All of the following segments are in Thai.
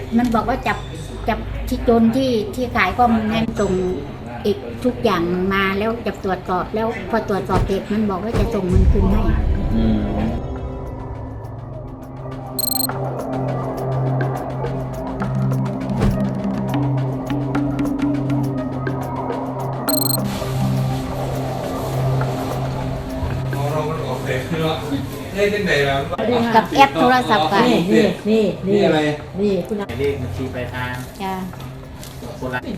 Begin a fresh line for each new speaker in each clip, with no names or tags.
มันบอกว่าจับที่โจรที่ขายข้อมูลให้ส่งอีกทุกอย่างมาแล้วจะตรวจสอบแล้วพอตรวจสอบเสร็จมันบอกว่าจะส่งเงินคืนให้กับแอปโทรศัพท์กัน
นี่อะไร
นี่คุณเลขบัญชีปลายทาง
จ้า
คนละ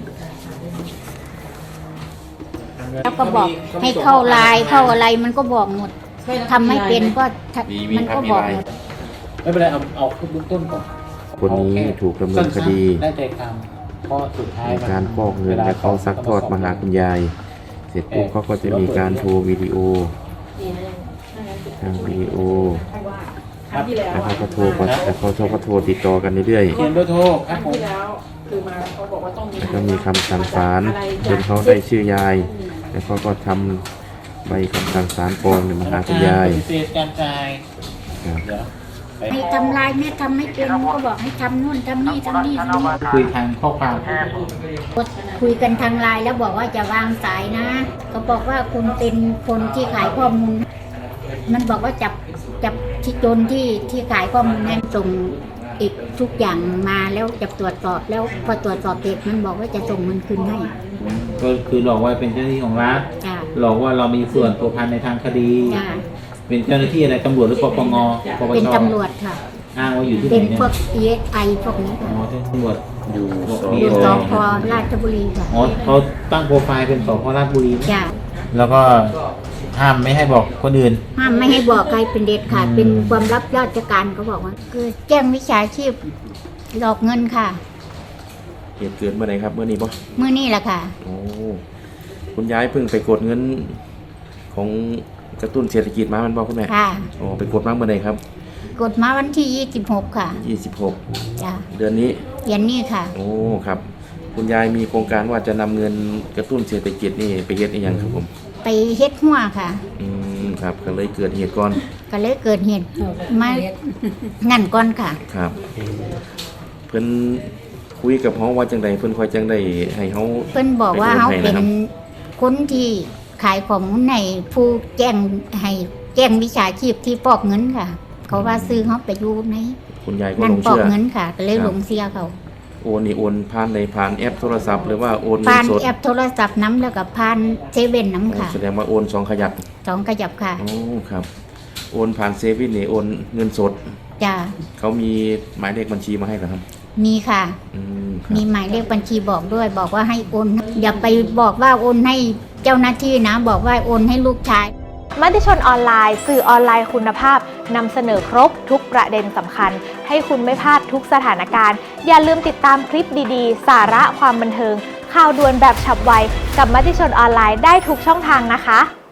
แล้วก็บอกให้เข้าไลน์เข้าอะไรมันก็บอกหมดทำไม่เป็นก็มันก็บอกหมด
ไม่เป็นไรเอาขึ้นเบื้องต้นก่อน
คนนี้ถูกดำเนินคดี
ได้ใจความเพราะสุดท้าย
การฟอกเงินและเขาซักทอดมาหาคุณยายเสร็จปุ๊บเขาก็จะมีการโทรวิดีโอทางวิดีโอแล้วเขาก็โทรก็โทรติดต่อกันเรื่อยๆ
เขียนเบอร์โทรครับผม
แล้วก็มีคำสั่งศาลจนเขาได้ชื่อยายแล้วเขาก็ทำใบคำสั่งศาลปลอมมาหาคุณยาย
การจ่าย
ให้ทำลายแม่ทำไม่เป็นก็บอกให้ทำนู่นทำนี่ทำนี่
คุยทางข้อความ
คุยกันทางไลน์แล้วบอกว่าจะวางสายนะก็บอกว่าคุณเป็นคนที่ขายข้อมูลมันบอกว่าจับที่โจรที่ขายข้อมูลให้ส่งอีกทุกอย่างมาแล้วจะตรวจสอบแล้วพอตรวจสอบเสร็จมันบอกว่าจะส่งเงินคืนให้
ก็คือหลอกว่าเป็นเจ้าหน้าที่ของรัฐหลอกว่าเรามีส่วนผัวพันในทางคดีเป็นเจ้าหน้าที่อะไรตำรวจหรือปปง
เป็นตำรวจค่ะ
อ้างว่าอยู่ที่ไหน
เป็นพวก ESI พวกนี้ค่ะ
ตำรวจ
อยู่สพ.ราชบุรีค่ะ
อ๋อเขาตั้งโปรไฟล์เป็นสพ.ราชบุรี
จ้ะ
แล้วก็ห้ามไม่ให้บอกคนอื่น
ห้ามไม่ให้บอกใครเป็นเด็ดขาดเป็นความลับราชการเขาบอกว่าคือแจ้งวิชาชีพหลอกเงินค่ะ
เหตุเกิดเมื่อไหร่ครับเมื่อนี้ป่ะ
เมื่อนี้แหละค่ะ
โอ้คุณยายเพิ่งไปกดเงินของกระตุ้นเศรษฐกิจมามันบอกคุณแม่
ค่ะ
โอ้ไปกดมาเมื่อไหร่ครับ
กดมาวันที่26ค่ะ
26
จ้ะ
เดือนนี้
ค่ะ
โอ้ครับคุณยายมีโครงการว่าจะนำเงินกระตุ้นเศรษฐกิจนี่ไปเฮ็ดอีกอย่างครับผม
ไปเฮ็ดหัวค่ะ
ครับก็เลยเกิดเหตุก่อน
มางั้นก่อนค่ะ
ครับเพิ่นคุยกับเฮาว่าจังไดเพิ่นค่อยจังได๋ให้เฮา
เพิ่นบอกว่าเฮาเป็นคนที่ขายของในผู้แจ้งวิชาชีพที่ฟอกเงินค่ะเขาว่าซื้อเฮาไปอยู่ใน
คุณยายก็ลงเชื่อ
ฟอกเงินค่ะก็เลยหลงเชื่อเขา
โอนนี่โอนผ่านในผ่านแอปโทรศัพท์หรือว่าโอนเงินสด
ผ่านแอปโทรศัพท์น้ำแล้วก็ผ่านเซเว่นน้ำค่ะ
แสดงว่าโอน2ขยัก
ค่ะ
โอ้ครับโอนผ่านเซเว่นนี่โอนเงินสด
จ้ะ
เขามีหมายเลขบัญชีมาให้เหรอครับ
มีค่ะมีหมายเลขบัญชีบอกด้วยบอกว่าให้โอนอย่าไปบอกว่าโอนให้เจ้าหน้าที่นะบอกว่าโอนให้ลูกชาย
มติชนออนไลน์สื่อออนไลน์คุณภาพนำเสนอครบทุกประเด็นสำคัญให้คุณไม่พลาดทุกสถานการณ์อย่าลืมติดตามคลิปดีๆสาระความบันเทิงข่าวด่วนแบบฉับไวกับมติชนออนไลน์ได้ทุกช่องทางนะคะ